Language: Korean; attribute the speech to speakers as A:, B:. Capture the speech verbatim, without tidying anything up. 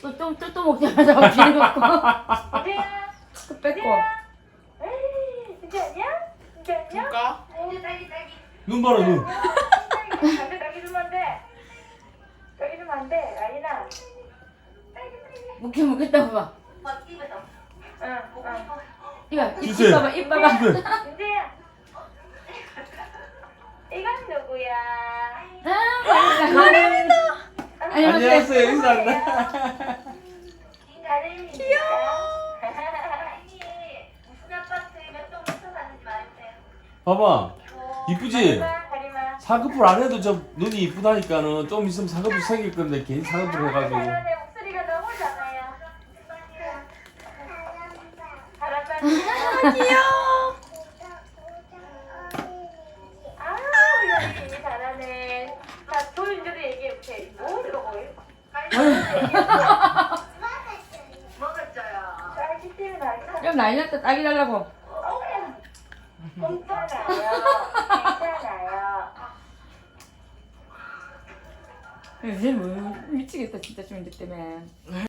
A: 또또또 먹자마자 비를 먹고
B: 어디야?
A: 또 뺏고.
B: 에이, 진짜 아니야? 진짜 아니야?
C: 줄까?
B: 딸기 딸기 딸기.
D: 눈 봐라 눈.
B: 안돼 딸기 주면 안돼. 딸기 주면 안돼. 라인아. 딸기 딸기.
A: 먹긴 먹겠다 봐.
B: 응 응.
A: 이거 입,
D: 주세요.
A: 입 봐봐 입 봐봐.
D: 주세요.
B: 민재야. 이건 누구야?
A: 아 가림이다.
D: 안녕하세요 인사한다.
B: 가림이. 귀여워. 무슨 아파트에 몇동 붙어 사는지 말해주세요.
D: 봐봐 이쁘지?
B: 가림아 가림아.
D: 사급을 안 해도 저 눈이 이쁘다니까는 좀 있으면 사급을 생길 건데 괜히 사급을 해가지고.
B: 잘하네. 목소리가 너무 작아요. 잘한다.
A: 아 귀여워.
B: 아, 우리 어린이 잘하네. 자, 조윤주도 얘기해보세요. 뭐 이거 뭐예요? 먹었어요. 딸기 때문에 알까?
A: 좀 난리 났다 딸기 달라고.
B: 괜찮아요. 괜찮아요.
A: 요새 뭐 미치겠다 진짜 좀 이제 때문에.